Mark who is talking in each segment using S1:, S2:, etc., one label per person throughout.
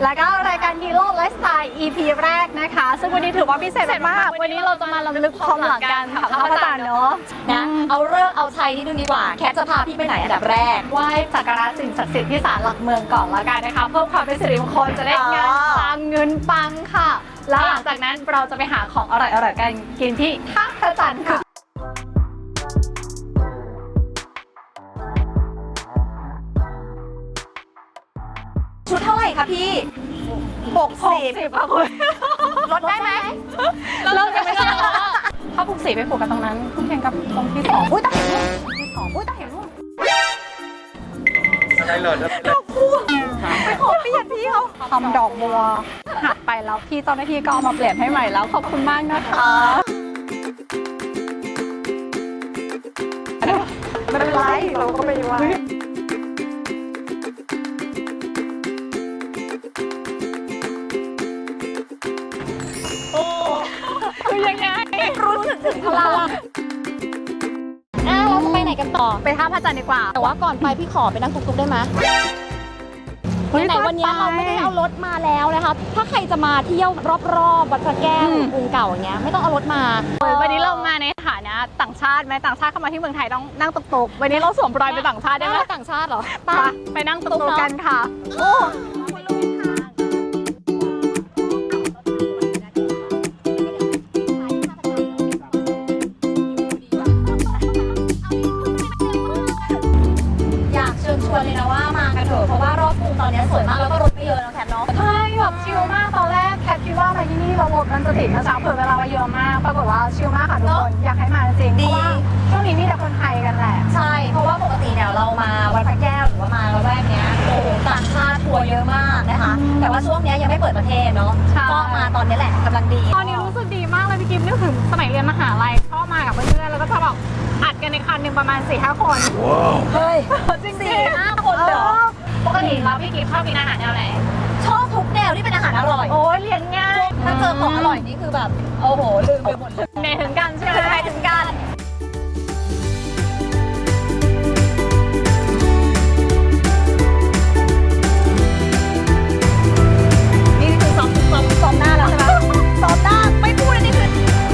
S1: แล้วก็รายการฮีโร่ไลฟ์สไตล์ EP แรกนะคะซึ่งวันนี้ถือว่าพิเศษมากวันนี้เราจะมาล้ำลึกความหลังกันกับพระอาจารย์เนาะ
S2: นะเอาเรื่องเอาชัยนิดนึงดีกว่าแคทจะพาพี่ไปไหนอันดับแรก
S1: ไหว้สักการะสิ่งศักดิ์สิทธิ์ที่ศาลหลักเมืองก่อนละกันนะคะเพิ่มความเป็นสิริมงคลจะได้งานปังเงินปังค่ะแล้วหลังจากนั้นเราจะไปหาของอร่อยๆกันกินที่ท่าพระจันทร์ค่ะ
S2: ชุดเท่าไหร่คะพี่60
S1: ค่ะคุณ
S2: ลดได้ไหม
S1: เริ่มยังไม่ได้ถ้าผูกสีไปผูกกันตรงนั้นคุณเพียงกับตรงที่2อุ้ยตาเห็นรูปที่2อุ้ยตาเห็นรูป
S3: ใช่เลย
S1: ดอกบัวไปขอเปลี่ยนพี่เขาทำดอกบัวหักไปแล้วพี่เจ้าหน้าที่ก็เอามาเปลี่ยนให้ใหม่แล้วขอบคุณมากนะคะไม่เป็นไรเราก็ไม่ว่าคือยังไง
S2: รู้สึกถึงพลังเราจะไปไหนกันต่อ
S1: ไปท่าพระจันทร์ดีกว่า
S2: แต่ว่าก่อนไปพี่ขอไปนั่งตุ๊กๆได้ไหมไหนวันนี้เราไม่ได้เอารถมาแล้วนะคะถ้าใครจะมาเที่ยวรอบๆวัดพระแก้วกรุงเก่าอย่างเงี้ยไม่ต้องเอารถมา
S1: วันนี้เรามาในฐานะต่างชาติไหมต่างชาติเข้ามาที่เมืองไทยต้องนั่งตุ๊กๆวันนี้เราสวมรอยเป็นต่างชาติได้ไหม
S2: ต่างชาติเหรอ
S1: ไปนั่งตุ๊กๆกันค่ะโอ้
S2: เลยนะว่ามากันเถอะเพราะว่ารอบกรุงตอนนี้สวยมากแล้วก็รถไม่เยอะนะแคทเนาะ
S1: ใช่แบบชิลมากตอนแรกแคทคิดว่ามาที่นี่เรารถมันจะติดนะจ๊ะเผื่อเวลามาเยอะมากปรากฏว่าชิลมากค่ะทุกคนอยากให้มาจริงเพราะว่าช่วงนี้มีแต่คนไทยกันแหละ
S2: ใช่เพราะว่าปกติเนี่ยเรามาวัดพระแก้วหรือว่ามาละแวกเนี้ยโอ้โหต่างชาติทัวร์เยอะมากนะคะแต่ว่าช่วงนี้ยังไม่เปิดประเทศเนาะก็มาตอนนี้แหละกำลังดี
S1: ตอนนี้รู้สึกดีมากเลยพี่กิฟต์นึกถึงสมัยเรียนมหาลัยชอบมากับเพื่อนๆแล้วก็จะแบบอัดกันในคันหนึ่งประมาณ 4-5 คน
S2: เฮ้ย
S1: จริง
S2: 4-5 คนเหรอ
S1: ปกติแล้วพี่กิฟต์ชอบกินอาหารแนวไหน
S2: ชอบทุกแนวที่เป็นอาหารอร่อย
S1: โอ้ยเรียนง่าย
S2: ถ้าเจอของอร่อยนี่คือแบบโอ้โหลืมไปหมดเลย
S1: ในถึงกันใช่ไหม
S2: ในถึงกันนี่คือซ้อมหน้าแล้วใช่ไหมซ้อมหน้าไม่พูดอันนี้คือ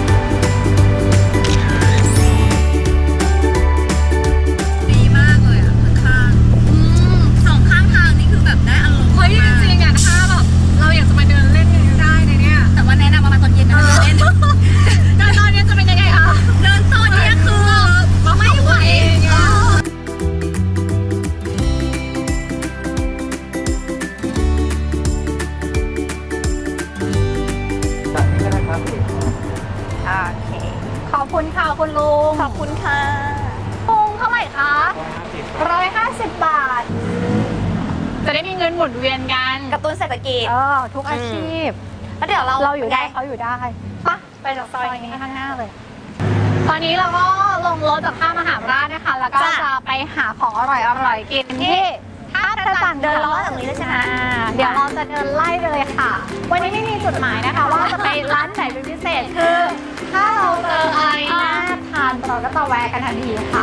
S2: ดีมากเลยอ่ะข้างสองข้างทางนี่คือแบบได้อารมณ์
S1: เฮ้ยจริงๆอ่ะถ้าแบบเราอยากจะมาเดินเล่นกันได้ในเนี้ย
S2: แต่ว่าแนะนำมาตอนเย็นนะเล่น
S1: เดินตอนนี้จะเป็นยังไงคะ
S2: เดินตอนนี้คือไม่ไหว
S3: จากนี้ก็ได้ครับ
S1: โอเคขอบคุณค่ะคุณลุง
S2: ขอบคุณค่ะ
S1: ลุงเท่าไหร่คะ150 บาทจะได้มีเงินหมุนเวียนกัน
S2: กระตุ้นเศรษฐกิจ
S1: ทุกอาชีพ
S2: แล้วเดี๋ยวเรา
S1: อยู่ได้เขาอยู่ได้ไปจากซอยนี้ข้างหน้าเลยตอนนี้เราก็ลงรถจากท่ามหาราชนะคะแล้วก็จะไปหาของอร่อยกินที่ท่าพระจันทร์
S2: เดินล้อจากนี้เลยใช่ไหม
S1: เดี๋ยวเราจะเดินไล่ไปเลยค่ะวันนี้ไม่มีจุดหมายนะคะว่าจะไปร้านไหนเป็นพิเศษคือถ้าเราเจออะไรน่าทานเราก็จะแวะกันทันทีค่ะ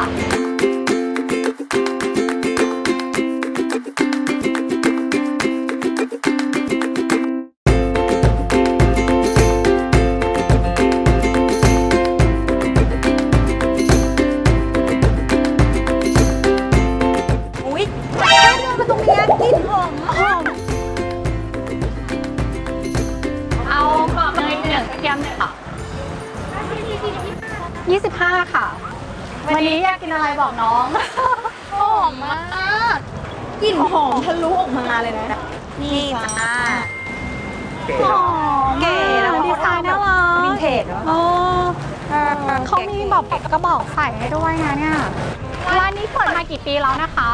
S1: 25ค่ะวันนี้อยากกินอะไรบอกน้อง
S2: หอมมากกลิ่นหอมทะลุออกมาเลยนะนี่จ้า
S1: หอมเก๋แล้วดีไซน์น่ารัก
S2: วินเทจเนาะ
S1: เขามีแบบกระบอกใส่ให้ด้วยนะเนี่ยร้านนี้เปิดมากี่ปีแล้วนะคะ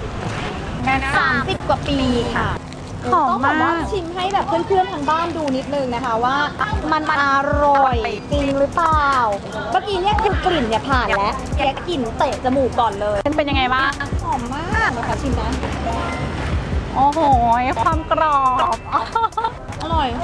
S2: 30 กว่าปีค่ะ
S1: หอมมาก
S2: ชิมให้แบบเพื่อนๆทางบ้านดูนิดนึงนะคะว่ามันอร่อยจริงหรือเปล่าเมื่อกี้เนี่ยคือกลิ่นเนี่ยผ่านแล้วแกกลิ่นเตะจมูกก่อนเลย
S1: เป็นยังไงบ้าง
S2: หอมมากนะคะชิมนะ
S1: โอ้โหความกรอบ
S2: อร่อย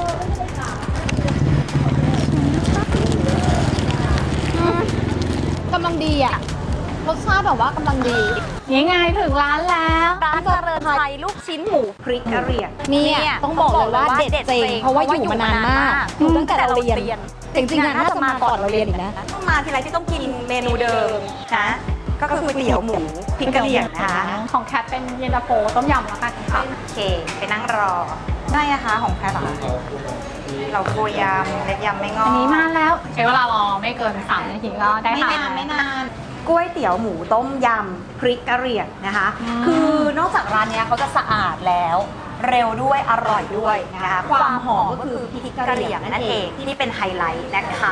S2: กำลังดีอ่ะรสชาติแบบว่ากำลังดี
S1: นี่ไงถึงร้านแล้ว
S2: ร้านเจริญไทยลูกชิ้นหมูพริกกะเหรี่ยง
S4: เนี่
S2: เนี่ย
S4: ต้องบอกเลยว่าเด็ดจริงเพราะว่าอยู่มานานมากอยู่ตั้งแต่เราเรียนจริงๆน่าจะมาก่อนเราเรียนอีกนะ
S2: ต้องมาทีไรที่ต้องกินเมนูเดิมนะก็คือก๋วยเตี๋ยวหมูพริกกะเหรี่ยงนะคะ
S1: ของแคทเป็นเย็นตาโฟต้มยำแล้วกันค่ะ
S2: โอเคไปนั่งรอได้นะคะของแพทย์เหรอเราโกยยำเล็กยำไม่งอ
S1: อั
S2: อั
S1: นนี้มาแล้วใช้เวลารอไม่เกิน3 นาทีก็ได้
S2: ไม่
S1: ค่ะ
S2: นานไม่นานก๋วยเตี๋ยวหมูต้มยำพริกกะเหรี่ยงนะคะ คือนอกจากร้านเนี้ยเขาจะสะอาดแล้ว เร็วด้วยอร่อยด้วยนะคะความหอมก็คือพริกกะเหรี่ยงนั่นเองที่เป็นไฮไลท์นะคะ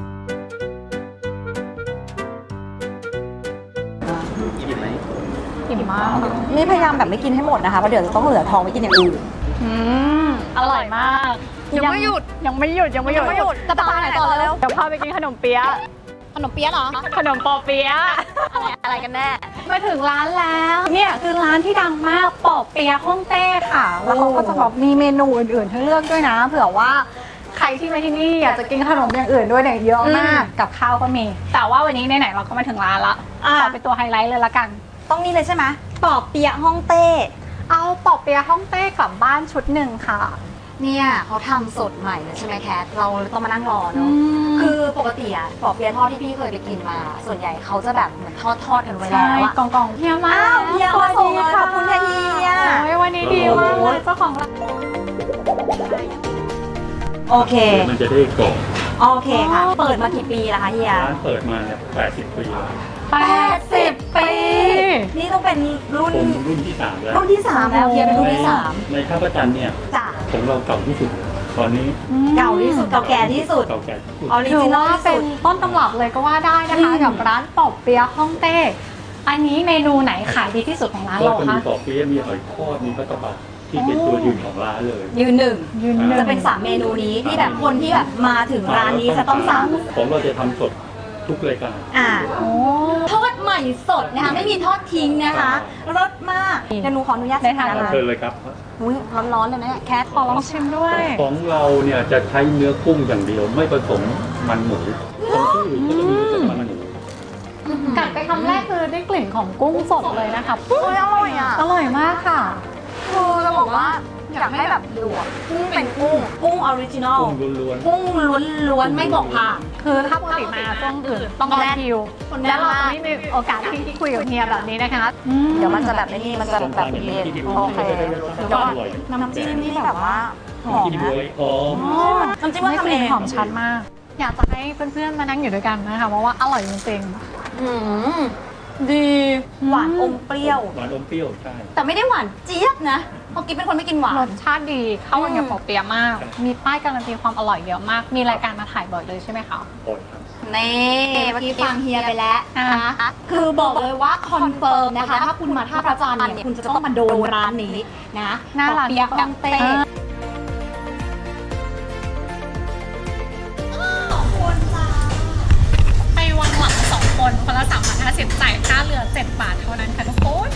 S3: อิ่มไหม
S1: อิ่มมาก
S4: นี่พยายามแบบไม่กินให้หมดนะคะเพราะเดี๋ยวจะต้องเหลือทองไปกินอย่างอื่น
S1: อืมอร่อยมาก
S2: ยังไม่หยุด
S1: ยังไม่หยุดยังไม่หยุด
S2: จะไปไหนต่อแล้ว
S1: เดี๋ยวพาไปกินขนมเปี๊ยะ
S2: ขนมเปี๊ยะเหรอ
S1: ขนมปอเปี๊ยะ
S2: อะไรกันแน่
S1: มาถึงร้านแล้วเนี่ยคือร้านที่ดังมากปอเปี๊ยะฮ่องเต้ค่ะ แล้วเขาก็จะแบบมีเมนูอื่นๆให้เลือกด้วยนะ เผื่อว่าใครที่มาที่นี่อยากจะกินขนมอย่างอื่นด้วยเนี่ยเยอะมากกับข้าวก็มี แต่ว่าวันนี้ไหนๆเราก็มาถึงร้านละขอเป็นตัวไฮไลท์เลยละกัน
S2: ต้องนี่เลยใช่ไหมปอบเปี๊ยะฮ่องเต้
S1: เอาปอเปี๊ยะฮ่องเต้กลับบ้านชุดหนึ่งค่ะ
S4: เนี่ยเขาทำสดใหม่เลยใช่ไหมแคทเราต้องมานั่งรอเนาะคือปกติอะปอเปี๊ยะทอดที่พี่เคยไปกินมา ส่วนใหญ่เขาจะแบบเหมือนทอดกันไว้
S1: ใช่
S4: แล้วอะ
S1: กองเฮียมา
S2: อ้าวเฮียมาส่งเลยขอบคุณค่ะเฮีย
S1: โอ้ยวันนี้ดีมากเลยเจ้าของร้าน
S2: โอเค
S3: มันจะได้กรอบ
S2: โอเคค่ะ เปิดมากี่ปีแล้วคะเฮีย
S3: ร้านเปิดมาเนี่ย80 ปีแล้ว
S1: 80 ปี
S2: นี่ต้องเป็นรุ่น
S3: ผมรุ่นที่ 3 แล้ว
S2: รุ่นที่ 3 แล้วเฮียเป็นรุ่นที่
S3: ในท่าประจันทร์เนี่ย
S2: 3จ้ะ
S3: ของเราเก่าที่สุด ตอนนี้
S2: เก่าที่สุดเก่าแก่ที่สุด
S3: เก่าแก่ที่สุด
S2: ออริ
S1: ถือ
S2: จินอล
S1: ว่า
S2: ที่
S1: เป็
S2: สุ
S1: น
S2: ด
S1: ต้นตำรับเลยก็ว่าได้นะคะกับร้านปอบเปี๊ยะฮ่องเต้ อันนี้เมนูไหนขายดีที่สุดของร้าน
S3: ก็
S1: เรา
S3: จะมี
S1: คะ
S3: ปอเปี๊ยะมีหอยทอดมีปลากระป๋องที่เป็นตัวยืนของร้านเลย
S2: ยืนหนึ่ง
S1: ยืนหนึ่ง
S2: จะเป็น3เมนูนี้ที่แบบคนที่แบบมาถึงร้านนี้จะต้องสั่ง
S3: ของเราจะทำสดทุกรายการ
S1: โอ้
S2: ทอดใหม่สดนะคะไม่มีทอดทิ้งนะคะรสมากเดี๋ยวหนูขออนุญาตชิมนะคะ
S3: เชิญเลยครับ
S2: อุ้ยร้อนๆเลยนะเนี่ยแคท
S1: ขอลองชิมด้วย
S3: ของเราเนี่ยจะใช้เนื้อกุ้งอย่างเดียวไม่ผสมมันหมูของที่อื่นก็จะมีผสมมันหมู
S1: กัดไปคำแรกคือได้กลิ่นของกุ้งสดเลยนะคะ
S2: โอ้ยอร่อยอ่ะ
S1: อร่อยมากค่ะ
S2: คือจะบอกว่าอยากให้แบบดูอะกุ้งเป็นกุ้งออริจินอล
S3: กุ้งล้วน
S2: กุ้งล้วนๆไม่บอกผ่าน
S1: คือถ้าปกติมาช่วงอื่นต้องรอคิว แล้วเราจะไม่มีโอกาสที่คุยกับเฮียแบบนี้นะคะ
S2: เดี๋ยวมันจะแบบนี้มันจะ
S3: ๆ
S2: แบบเย็นโอเค
S3: เดี๋ยวอร่อย
S2: น้ำจิ้มนี่แบบว่าหอม
S3: กิน
S2: นะ
S3: บวยหอม
S2: น้ำจิ้มว่าทำเอง
S1: หอมชัดมาก อยากจะให้เพื่อนๆมานั่งอยู่ด้วยกันนะคะเพราะว่าอร่อยจริง
S2: อืมดีหวานอมเปรี้ยว
S3: หวานอมเปรี้ยวใช่
S2: แต่ไม่ได้หวานเจี๊ยบนะเพราะกิ๊บเป็นคนไม่กินหวาน
S1: ๆรสชาติดีเข้ากันกับปอเปี๊ยะมาก มีป้ายการันตีความอร่อยเยอะมาก มีรายการมาถ่ายบ่อยเลยใช่ไหมคะ
S3: โอ้ยครับ
S2: นี่เมื่อกี้ฟังเฮียไปแล้วนะคะคือบอกเลยว่าคอนเฟิร์มนะคะ ถ้าคุณมาท่าพระจันทร์เนี่ยคุณจะต้องมาโดนร้านนี้นะ
S1: หน้าร้าน
S2: เปียกกังเต้
S1: ไปวันหลัง2 คนคนละ350จ่ายค่าเรือ7 บาทเท่านั้นค่ะทุกคน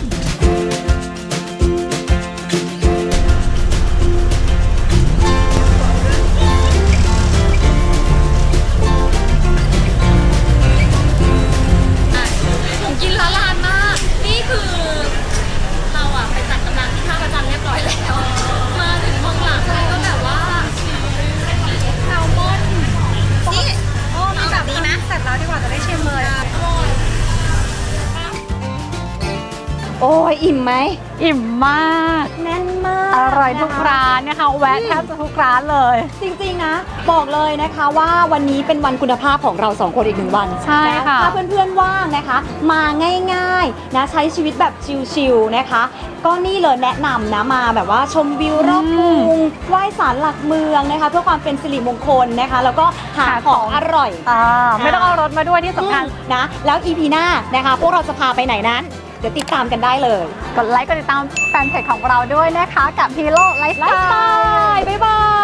S1: กินละลานมาก นี่คือเราอะไปจัดกำลังที่ท่าประจันเรียบร้อยแล้ว มาถึงห้องหลังแล้วก็แบบว่าแซลมอนนี่โอ้มีแบบนี้นะเสร็จแล้วดีกว่าจะได้ชิมเลย
S4: โอ้ยอิ่มไหม
S1: อิ่มมาก
S2: แน่นมาก
S1: อร่อยทุกร้านนะคะ แวะแทบจะทุกร้านเลย
S4: จริงๆนะ บอกเลยนะคะว่าวันนี้เป็นวันคุณภาพของเราสองคนอีก1 วัน
S1: ใช่
S4: น
S1: ค่ะ
S4: ถ้าเพื่อนๆว่างนะคะ มาง่ายๆนะใช้ชีวิตแบบชิลๆนะคะ ก็นี่เลยแนะนำนะมาแบบว่าชมวิวรอบกรุงไหว้ศาลหลักเมืองนะคะ เพื่อความเป็นสิริมงคลนะคะ แล้วก็หาของอร่อย
S1: ไม่ต้องเอารถมาด้วยที่สำคัญ
S4: นะแล้ว EP หน้านะคะ พวกเราจะพาไปไหนนั้น เดี๋ยวติดตามกันได้เลย
S1: กดไลค์กดติดตามแฟนเพจของเราด้วยนะคะ กับ Hero
S4: ไลฟ์สไต
S1: Lifestyle
S4: ล์บ๊ายบาย